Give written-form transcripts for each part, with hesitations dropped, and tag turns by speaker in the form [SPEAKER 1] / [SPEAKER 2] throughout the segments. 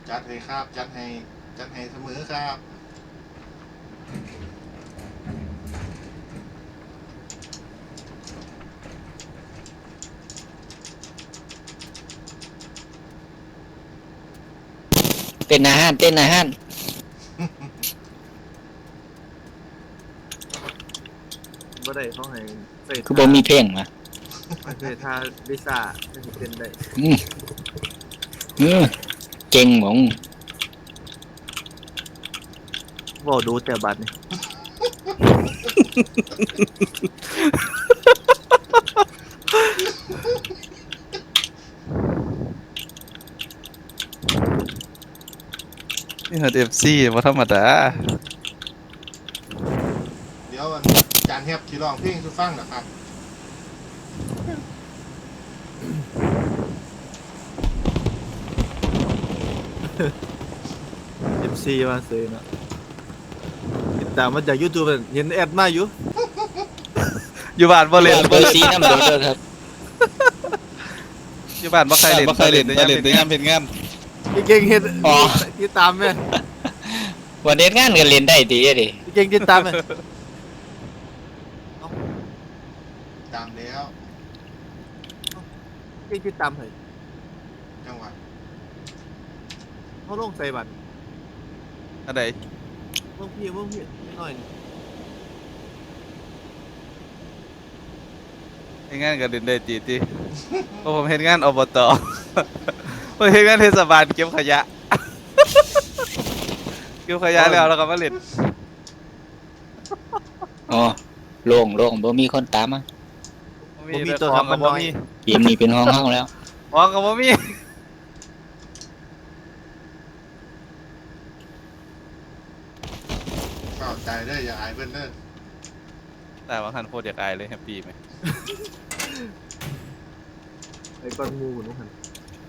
[SPEAKER 1] จัดให้ครับจัดให้เสมอครับ
[SPEAKER 2] เต้นอาหารเต้นอาหาร
[SPEAKER 3] บ่ได้เขาให้ใส่
[SPEAKER 2] คือบ่มีเพลงมา
[SPEAKER 3] ใส่ท่าลิซ่าให้เต้นได้
[SPEAKER 2] อืมเก่งหมอง
[SPEAKER 3] บ่ดูแต่บัดนี่
[SPEAKER 4] นี่ฮอด FC บ่ธรรมดา
[SPEAKER 1] เดี๋ยวจานแฮบที่ร้องเพลงสุฟังนะครับ
[SPEAKER 3] MC มาซื้อเนาะติดตามมาจาก YouTube เห็นแอดมาอยู่
[SPEAKER 4] อยู่บ้านบ่เล่น
[SPEAKER 2] เบอร์ซีน้ำโดดเด้อครับ
[SPEAKER 4] อยู่บ้านบ่ใครเล่นแต่ยามเฮ็ดงาน
[SPEAKER 3] พี่เก่งเฮ็ดติดตามแม่
[SPEAKER 2] วันเด็ดงานก็เล่นได้ดีดิ
[SPEAKER 3] พี่เก่งติดตามแม่
[SPEAKER 1] ตามแล้ว
[SPEAKER 3] พี่เก่งติดตามให้
[SPEAKER 1] จังหวะ
[SPEAKER 3] เขาลงใส่บัตร
[SPEAKER 4] อันใด
[SPEAKER 3] เบิ่งพี่หน่อย
[SPEAKER 4] เฮ็ดงานก็เล่นได้ติเพราะผมเฮ็ดงานอบต ผมเฮ็ดงานเทศบาลเก็บขยะ เก็บขยะแล้วก็มาเล่น
[SPEAKER 2] อ๋อโล่งบ่มีคนตามมา
[SPEAKER 3] บ่มีตัวคำมันน้อย
[SPEAKER 2] เกมนี้เป็นห้องเฮาแล้ว
[SPEAKER 4] ของก็บ่มี
[SPEAKER 1] เข้าใจได้ออย่าอายเพิ่นเด้อ
[SPEAKER 4] แต่ว่าคันโคตรอยากอายเลยแฮปปี้ไหม
[SPEAKER 3] ไอ้ก้อนงูนู่นหั่น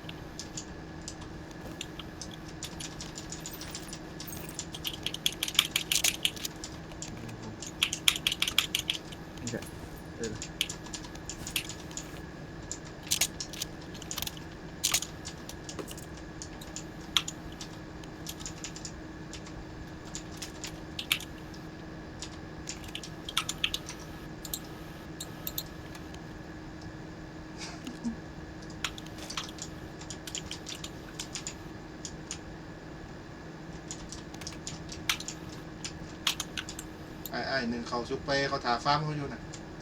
[SPEAKER 1] ไอ้หนึ่งเขาซุปเปเขาถาฟ้าร์มเขาอยู่น่ะ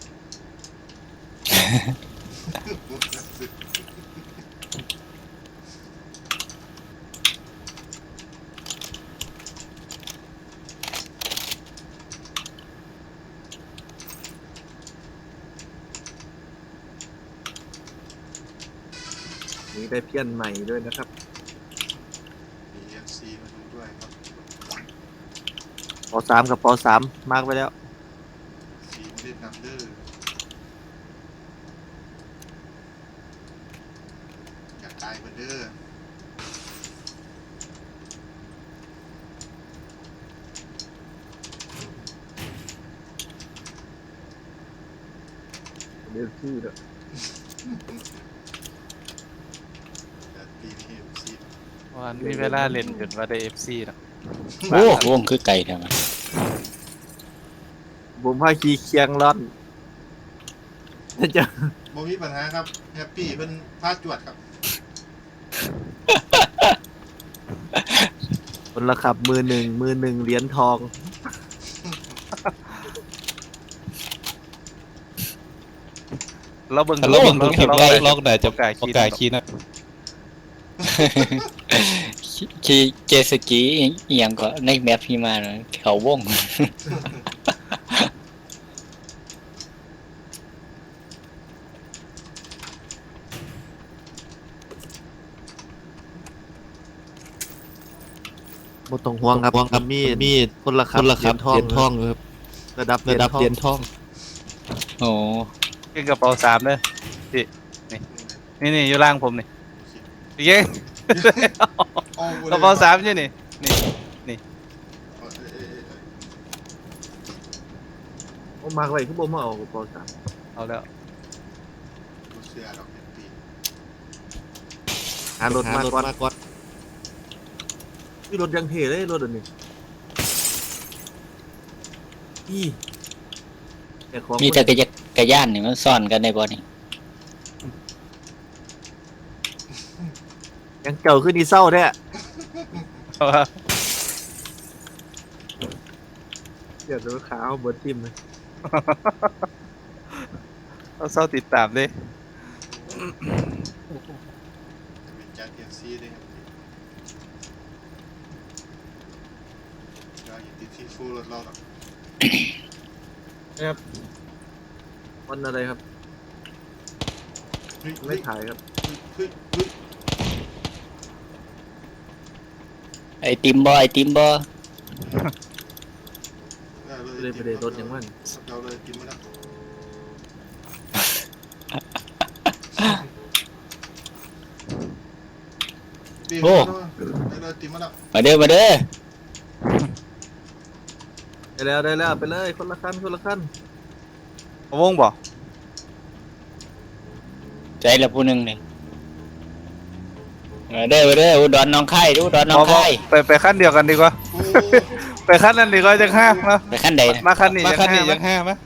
[SPEAKER 3] มีได้เพี้ยนใหม่ด้วยนะครับ
[SPEAKER 1] มี FC มาดูด้วยครับ
[SPEAKER 3] ป.3 กับป.3มาร์กไว้แล้ว
[SPEAKER 1] สีไม่ได้นำเด้ออยากตายเพิ่นเด้อ
[SPEAKER 3] เดี๋ยวพี่ด้วย
[SPEAKER 1] แต่ปีนี้ FC
[SPEAKER 4] วันมีเวลาเล่นจนว่าได้ FC เนาะ
[SPEAKER 2] โอ้วงคือไก่แท้มัน
[SPEAKER 3] ผมพาขี่เคียงร่อนจะ
[SPEAKER 1] บ่มีปัญหาครับแฮปปี้เพิ่นพาจวดครับ
[SPEAKER 3] คนละขับมือหนึ่งเหรียญทอง
[SPEAKER 4] เราเบิ่ง
[SPEAKER 2] คลิปไล่
[SPEAKER 4] ล็อกได้จะกล้าขี่นะ
[SPEAKER 2] ขี่เจตสกีอีหยังก็ในแมปพี่มาน่ะเขาวง
[SPEAKER 3] บ่ต้องห่วงครับมีคนละขับเหรียญทองครับระดับเหรียญทอง
[SPEAKER 2] โอ้
[SPEAKER 4] เก่งกระเป๋า3เด้อพี่นี่อยู่ล่างผมนี่พี่เก่ง
[SPEAKER 1] โอ้
[SPEAKER 4] กระเป๋า3อยู่นี่
[SPEAKER 3] ผมมาร์กไว้คือบ่มาเอาป.3
[SPEAKER 4] เอาแล้ว
[SPEAKER 1] เสื้อดอกแฮปปี้
[SPEAKER 3] หารถมาก่อนมีรถยังเท่เลยรถอันนี้อีแต่ของ
[SPEAKER 2] มีแต่กระย่านนี่มันซ่อนกันในบ่นี่
[SPEAKER 3] ยังเก่าขึ้นดีเศร้าแท้
[SPEAKER 4] เพราะว่า
[SPEAKER 3] เดี๋ยวรถขาวเบิร์ดทิมเลย
[SPEAKER 4] เราเศร้าติดตามเลย
[SPEAKER 1] เป็นจัดเอฟซีด้วยครับเราอย่าติดที่ฟูรถเราหรอก
[SPEAKER 3] ครับวันอะไรครับ
[SPEAKER 1] เฮ้ย
[SPEAKER 3] ไม่ถ่ายครับ
[SPEAKER 1] เฮ้ยเฮ้ย
[SPEAKER 2] ไอติมบ่
[SPEAKER 3] เลยไปเลยรถยังมัน
[SPEAKER 1] เราเลยกินมาแล้วปีได้เลยติมมาแล้ว
[SPEAKER 2] มาเด้อ
[SPEAKER 3] ได้แล้วไปเลยคนละคัน
[SPEAKER 4] วงบ่
[SPEAKER 2] ใจละผู้หนึงนี่มาเด้ออุดรน้องไข่อุดรน้องไข่
[SPEAKER 4] ไปขั้นเดียวกันดีกว่า
[SPEAKER 1] โอ้
[SPEAKER 4] ไปขั้นนั้นดีกว่าจะห้ามเนาะ
[SPEAKER 2] ไปขั้นใดนะ
[SPEAKER 4] มาขั้นนี้ยังห้ามไหม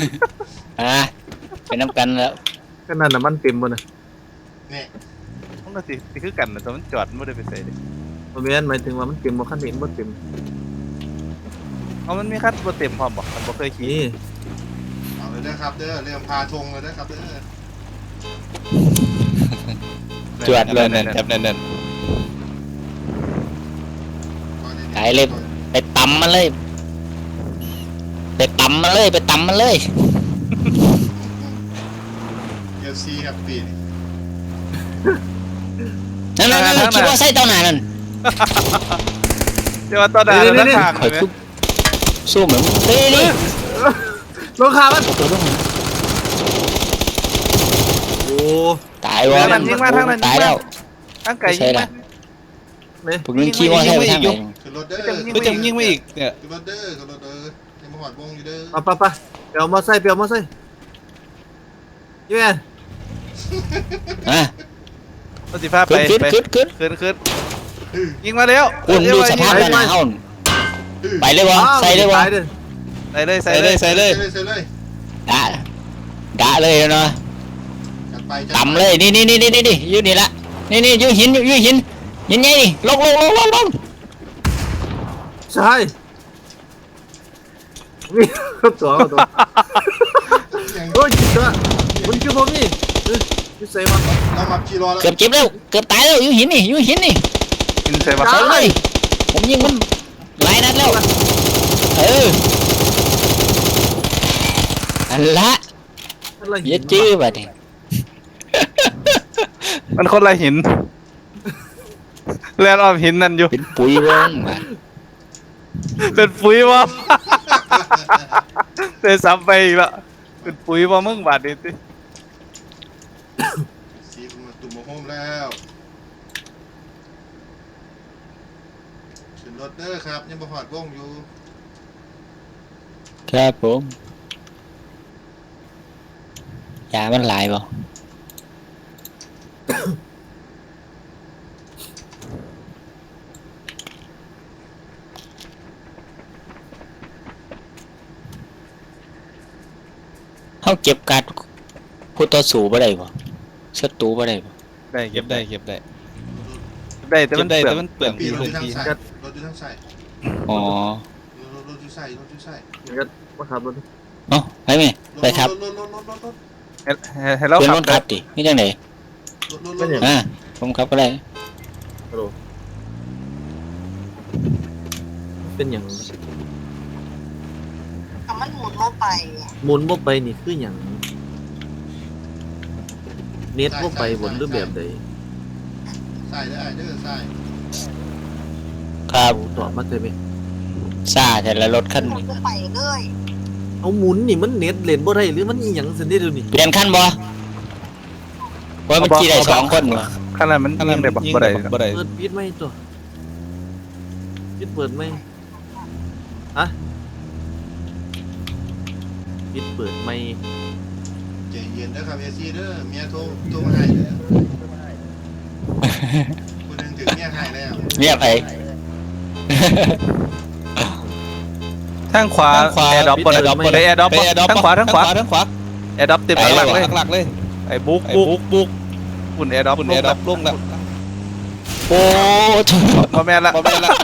[SPEAKER 2] ไปน้ำกันแล้ว
[SPEAKER 3] ก็นั่นน่ะมันเต็มบ่น่ะ
[SPEAKER 1] เนี่ย
[SPEAKER 4] มันก็สิคือกันนะแต่มันจอดไม่ได้ไปใส่ดิ
[SPEAKER 3] บ่แม่นหมายถึงว่ามันเต็มบ่คันเห็นบ่เต็ม
[SPEAKER 4] เอามันมีขั้นบ่เต็มพร้อมบ่มันบ่เคยขี่
[SPEAKER 3] นี่
[SPEAKER 1] เอาเลยนะครับเด้อเริ่มพาธงเลยนะครับเด้อ
[SPEAKER 2] จวดเลยนั่นครับนั่นหายเลยไปตำมันเลย
[SPEAKER 1] เอฟซีครับปีนี้
[SPEAKER 2] นั่นคิดว่าใส่เต้าหนานั่น
[SPEAKER 4] เดี๋ยวว่าตอนนั้นเราทาง
[SPEAKER 2] ข่อย
[SPEAKER 4] เลย
[SPEAKER 2] ทุบสู้เหมือนนี่
[SPEAKER 3] ลงขามันโอ้
[SPEAKER 2] ตายวะตายแล้ว
[SPEAKER 4] ตั้งไก่ยิงมา
[SPEAKER 3] นี่
[SPEAKER 2] พวกนึงขี้ว่าใช่ไปทางไหน
[SPEAKER 1] ขึ้นรถเด้อ
[SPEAKER 4] ก็จะยิงไม่อีกเนี่ย
[SPEAKER 1] ขึ้นรถเด้อยังมาหอดวงอยู่เด้อ
[SPEAKER 3] ไปไปเปียวมอไซค์ยี่แม่
[SPEAKER 4] รถสิพาไป
[SPEAKER 2] ขึ้น
[SPEAKER 4] ยิงมาแล้ว
[SPEAKER 2] คุณดูสภาพหน้าเฮาไปเลยวะใส่เลยวะ
[SPEAKER 4] ใส่เลย
[SPEAKER 1] ใส่เลย
[SPEAKER 2] ด่าเลยเนาะ
[SPEAKER 1] จัดไป
[SPEAKER 2] ต่ำเลยนี่ยืนนี่ละนี่ยืนหินหินไงนี่ลง
[SPEAKER 3] ใช่มีตัวโอ้ยจิตตัวมันคือบ่มีอยู่ใส่มา
[SPEAKER 1] เรามาขี่รอแล้ว
[SPEAKER 2] เกือบเจ็บแล้วเกือบตายแล้วยืนหินนี่
[SPEAKER 4] ยิงใส่ปะ
[SPEAKER 2] ใส่เลยผมยิงมันหลายนัดแล้วอันละอย่าจื้อบัดนี้
[SPEAKER 4] มันคนละหินแลนออมหินนั่นอยู่
[SPEAKER 2] เป็นปุ๋ยวงมา
[SPEAKER 4] เป็นปุ๋ยวะเตะซ้ำไปอีกละเป็นปุ๋ยวะมึงบาดนี้สิ
[SPEAKER 1] สีมาตุ่มโฮมแล้วขึ้นรถเด้อครับยังมาหอดวงอยู่
[SPEAKER 2] ครับผมยามันหลายบ่เขาเก็บการ์ดผู้ต่อสู้บ่ได้บ่ศัตรูบ่ได้บ่
[SPEAKER 4] ได้เก็บได้ แต่มันเปลือง
[SPEAKER 1] ปีรถ
[SPEAKER 4] พื้
[SPEAKER 1] อน ยู่ทาง
[SPEAKER 4] ที่
[SPEAKER 1] ซ้ายรถอยู่ทางซ้าย
[SPEAKER 2] อ๋อ
[SPEAKER 1] รถอยู่ซ้าย
[SPEAKER 3] ก็มาขับรถ
[SPEAKER 2] เอ้าไปไหมไปครับ
[SPEAKER 1] รถ
[SPEAKER 4] ให้เรา
[SPEAKER 2] เป็น
[SPEAKER 4] ขั
[SPEAKER 2] ร
[SPEAKER 4] บ
[SPEAKER 2] ถขับดินี่จังได๋ผมขับก็ได้
[SPEAKER 3] เป็นอย่าง
[SPEAKER 5] มันหมุนโมไป
[SPEAKER 3] หมุนบ่ไปนี่คืออย่างเน็ตบ่ไปบนหรือแบบใด
[SPEAKER 1] ซ้ายเด้อซ้าย
[SPEAKER 2] ครับ
[SPEAKER 3] ตอบมาได้ไหม
[SPEAKER 2] ซ่าแต่ละรถคัน
[SPEAKER 5] หมุน
[SPEAKER 2] นี้
[SPEAKER 5] โมไปเลย
[SPEAKER 3] เอาหมุนนี่มันเน็ตเล่นบ่ได้หรือมันอีหยังสินี่เดี๋ยวนี้
[SPEAKER 2] เปลี่ยนคันบ่ว่ามันขี่ได้2คนบ่
[SPEAKER 4] ขนาดมันยิงได้บ่ได้
[SPEAKER 3] เปิดปิดไหมตัวปิดเปิดไหมฮะปิดเปิดไหม
[SPEAKER 1] ใจเย็นเด้อครับเอซีเด้อเมียโทรมาให้เด้อคนนึงถึงเมียให้แล้ว
[SPEAKER 2] เมียไผ
[SPEAKER 4] ทางขวาแอร์ดรอปบนแอร์ดรอปทางขวาแอร์ดรอปเต็มหลักเลยไอ้บุกปุ่นแอร์ดรอปลงแล้ว
[SPEAKER 2] โอ้
[SPEAKER 4] มาแม่นละ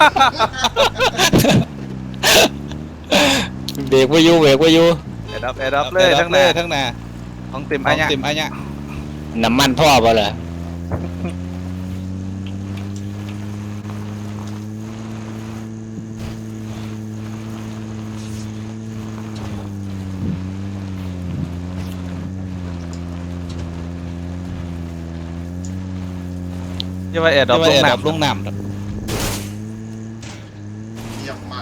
[SPEAKER 2] เบรกไว้อยู่
[SPEAKER 4] แอร์ดรอปเลยทั้งหน้าของเต็มอันเนี้ย
[SPEAKER 2] น้ำมันพ่อเปล่าเหรอ
[SPEAKER 4] ยังว่าแอร์ดรอปลงน้ำ
[SPEAKER 1] เยี่ยมมาก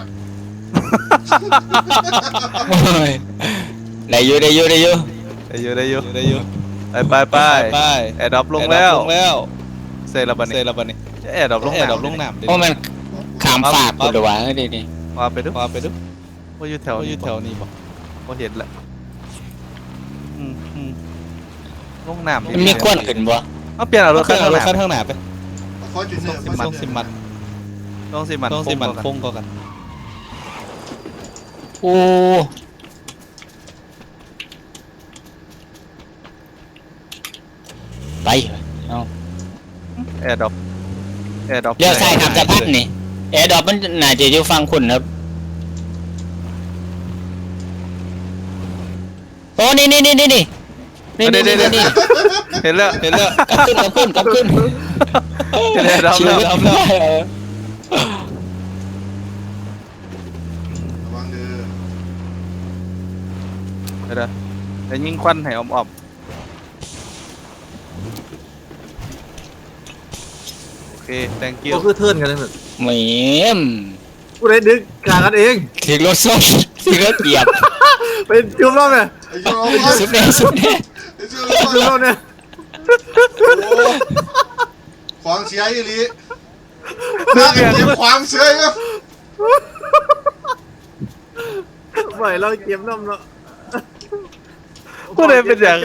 [SPEAKER 2] ได้อยู่
[SPEAKER 4] ได้อยู่ไปแอร์ดรอปลงแล้วเซระบันนี่แอร์ดรอปลงน้ำ
[SPEAKER 2] เพราะมันขามฝากกูเดี๋ยววะนี่
[SPEAKER 4] ว่าไปดูว่าอยู่แถวนี้บ่ว่าเห็นแหละลงน้ำ
[SPEAKER 2] มันมีควันขึ้นบ่
[SPEAKER 4] เอาเปลี่ยนเอารถข้างหน้าไป
[SPEAKER 1] ฟอร์จูเนอร์
[SPEAKER 4] ต้องสิมันฟงก็กัน
[SPEAKER 2] โอ้ไปเอา
[SPEAKER 4] แอร์ดรอป
[SPEAKER 2] เลี้ยวซ้ายขับสะพานนี่แอร์ดรอปมันน่าจะอยู่ฝั่งคุณครับโอ้นี่เห็นแล้วกลับขึ้น
[SPEAKER 4] แอร์ดรอปแล้ว
[SPEAKER 1] ระวังเด้อ
[SPEAKER 4] เดี๋ยวแต่ยิงควันให้ออมโอเค thank you
[SPEAKER 3] ก็คือเทิร์นกันเลยเหมือน
[SPEAKER 2] เหมีม
[SPEAKER 3] กูได้ดึกกลางกันเอง
[SPEAKER 2] ถึงรถส้มถึงรถเกียบ
[SPEAKER 3] เป็นจุ่มรอบเนี่ย
[SPEAKER 1] ไอ้ยูโร
[SPEAKER 2] สุดแน่
[SPEAKER 1] ไอ้ยู
[SPEAKER 3] จุ่มรอบเนี่ย
[SPEAKER 1] โอ้ขวางเสียอีหลีน่าจะเก็บขวางเสียครับ
[SPEAKER 3] ไหวเราเก็บน้ำเนาะ
[SPEAKER 4] ผู้ใดเป็นอย่าง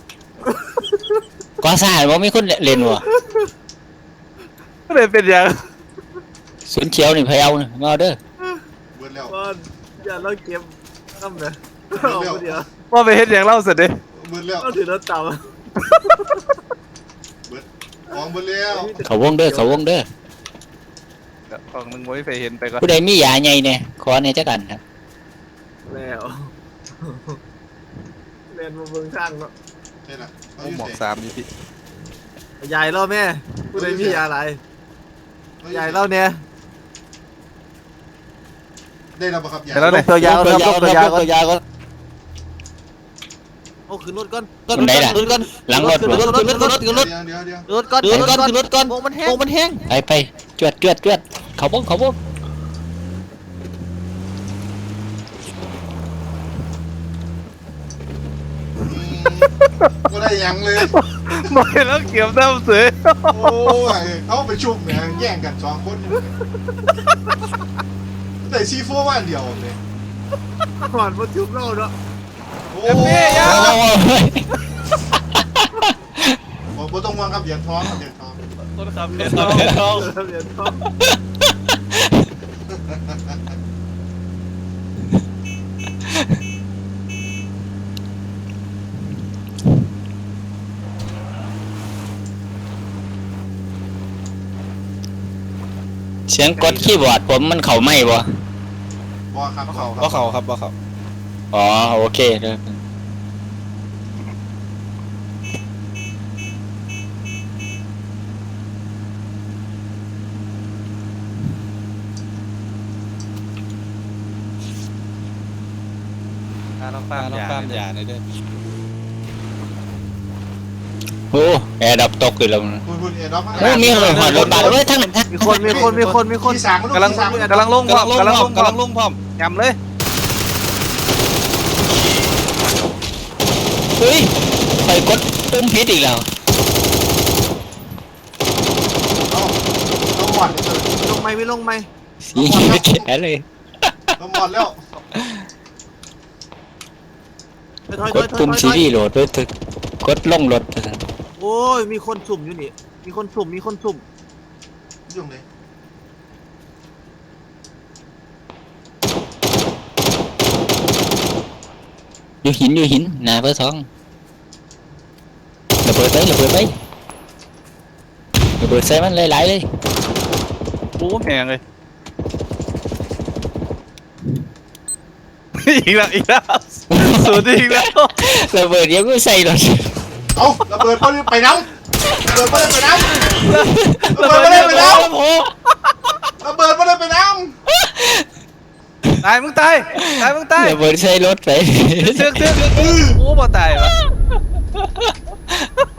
[SPEAKER 2] ก็สายว่ามีคนเล่นวะ
[SPEAKER 4] ผู้ใดเป็นอย่าง
[SPEAKER 2] สวนเขียวนี่พะเยานี่มาเด้อ
[SPEAKER 1] เบิดแล้ว
[SPEAKER 3] ว่าอย่าเราเก็บน้ำเนี่ยเอาเดี๋ยว
[SPEAKER 4] ว่าไปเฮ็ดอย่างเล่าเสร็จดิ
[SPEAKER 1] เบิดแล้ว
[SPEAKER 3] เราถือรถเต่า
[SPEAKER 1] เบิดของเบิดแล้ว
[SPEAKER 2] เขาวงเด้อ
[SPEAKER 4] ของมึงไม่ไปเห็นไปก่อน
[SPEAKER 2] ผู้ใดมียาใหญ่เนี่ยขอเนี่ยจักกันครับ
[SPEAKER 3] แล้วเรียนมาเบิ่งช่างเนาะ
[SPEAKER 1] นี่แหละเขา
[SPEAKER 4] ห
[SPEAKER 1] อยู่
[SPEAKER 4] มอก
[SPEAKER 1] ไหน
[SPEAKER 4] 3นี่พี่
[SPEAKER 3] ใหญ่เราแม่กูได้มีอะไรใหญ่เราเนี่ย
[SPEAKER 1] ได้แล้วปะครับ
[SPEAKER 4] แต่แล้วเนี่ย
[SPEAKER 3] ตัวยาวครับตัวยาวก็
[SPEAKER 5] โอ้ขึ้นรถก่อน
[SPEAKER 2] คนใดล่ะ
[SPEAKER 5] ขึ้นรถก่อน
[SPEAKER 2] หลังรถ
[SPEAKER 5] ขึ้น
[SPEAKER 2] บ่
[SPEAKER 5] รถขึ้นรถขึ้นรถขึ้นรถ
[SPEAKER 1] เดี๋ยว
[SPEAKER 5] รถก่อนขึ้นรถก่อนขึ้นรถก่อนโอ้มันแห้ง
[SPEAKER 2] ไปจวดเขาวง
[SPEAKER 1] ก็ได้ยังเลย
[SPEAKER 4] มอยแล้วเกี่ยวน้ำเสือ
[SPEAKER 1] โอ้ยเอาไปชุบเนี่ยแย่งกันสองคนแต่ซีโฟว่าเดียวเลย
[SPEAKER 3] ก่อนมาจุ่มเราเนาะ
[SPEAKER 1] โอ้
[SPEAKER 4] เฮ้ย
[SPEAKER 1] ผมต้องวางครับเหรียญทองครับเหรียญทอง
[SPEAKER 4] ต้นครับเฮ็ดน้อง
[SPEAKER 3] เหรียญทอง
[SPEAKER 2] เสียงกดคีย์บอร์ดผมมันเข้าไม่บ่
[SPEAKER 1] บอครับเขาครับ
[SPEAKER 4] ว่าเขาครับว่าเขา
[SPEAKER 2] อ๋อโอเคเด้อ
[SPEAKER 4] ต้องป้ามยาในเด้อ
[SPEAKER 2] โอ้แอร์ดับตกอีกแล้วนะ
[SPEAKER 1] คุณเอ็ดอฟ
[SPEAKER 2] โอ้มีหอดรถบัสเอ้ยทั้งนั้น
[SPEAKER 3] มีคน
[SPEAKER 1] ที่สาม
[SPEAKER 4] กำลังลงพร้อมยำเลย
[SPEAKER 2] เฮ้ยไปกดปุ่มผิดอีกแล้ว
[SPEAKER 1] ต้องหมดเลย
[SPEAKER 3] ลงไหม
[SPEAKER 2] สีแขนเลย
[SPEAKER 1] ต้องหมดแล้ว
[SPEAKER 2] กดปุ่มซีรีส์โหลดด้วยถึกกดลงรถ
[SPEAKER 3] โอ้ยมีคนสุ่มอยู่นี่มีคนสุ่ม
[SPEAKER 1] ยุ่งเลย
[SPEAKER 2] อยู่หินหน้าเบอร์สองระเบิดไประเบิดใส่มันหลายๆเลย
[SPEAKER 4] โอ้แหงเลยอีกแล้วสุดอีกแล้ว
[SPEAKER 2] ระเบิดเดี๋ยวก็ใส่รถ
[SPEAKER 1] เอาระเบิดเขาไปน้ำระเบิดไม่ได้ไปน้ำระเบิดไม่ได้ไปน้ำระเบิดไม่ได้ไปน้
[SPEAKER 4] ตายมึงตายมึงตาย
[SPEAKER 2] ระเบิดใส่รถไป
[SPEAKER 4] เชือกโอ้บ่ตายวะ